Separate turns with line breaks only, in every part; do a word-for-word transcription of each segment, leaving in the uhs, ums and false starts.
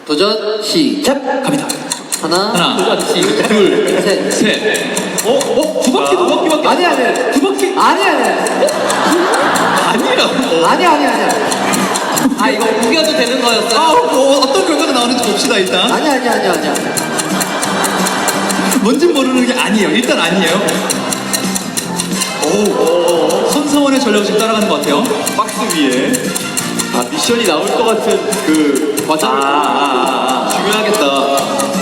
도전 시작!
갑니다.
하나,
하나,
둘,
둘,
셋.
셋. 어? 어? 두 바퀴, 두 바퀴밖에.
아니, 아니.
두 바퀴?
아니, 아니.
아니라고.
아니, 아니, 아니. 아, 이거 우겨도 되는 거였어요?
아, 뭐, 어떤 결과가 나오는지 봅시다, 일단.
아니, 아니, 아니, 아니야.
뭔진 모르는 게 아니에요. 일단 아니에요. 오, 손사원의 전략을 지금 따라가는 것 같아요.
박스 위에 아 미션이 나올 것 같은 그 과정을
아, 아, 아.
중요하겠다.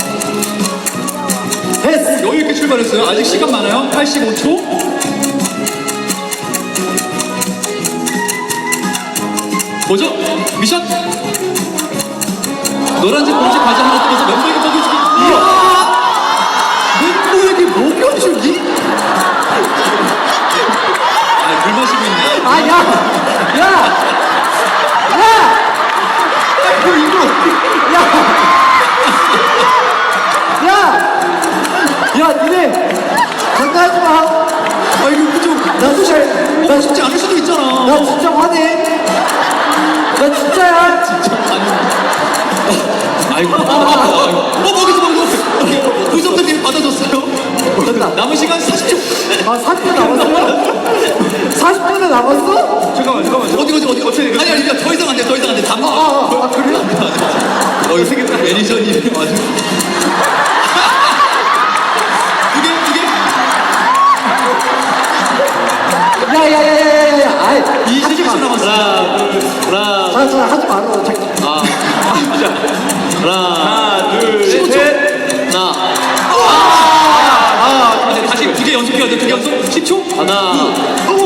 됐어!
여유 있게 출발했어요. 아직 시간 많아요. 팔십오 초. 뭐죠? 미션? 노란색 공식 과자 하나 뜨면서 멤버에게 먹여주기.
멤버에게 먹여주기?
아, 물 마시고 있네.
아, 야! 야! 야!
아이고, 이거.
야! 야, 니네! 장난하지 마!
아, 이거 좀.
나도 잘, 나,
어, 쉽지 않을 수도 있잖아.
나 진짜 화내! 나 진짜야! 진짜.
아이고. 어, 먹이서 먹이서. 구성자님 받아줬어요.
됐다.
남은 시간 사십 초.
아, 사십 분 남았어요? 사십 분은 남았어?
잠깐만 잠깐만.
어디, 어디, 어디, 어디. 아니, 아니, 더 이상 안 돼, 더 이상 안 돼. 다
아,
먹어.
아, 아, 그래요?
어, 이거 생겼다. 매니저님. 아주. 두 개, 두 개.
야, 야, 야, 야, 야, 야, 야, 아이,
이십일 초 남았어.
하나 둘 하나
자, 자, 하지 말어. 자,
아 진짜 하나 둘
십오 초.
셋
하나,
아, 아, 다시 두 개 연속해야 돼. 두 개 연속. 십 초.
하나
오,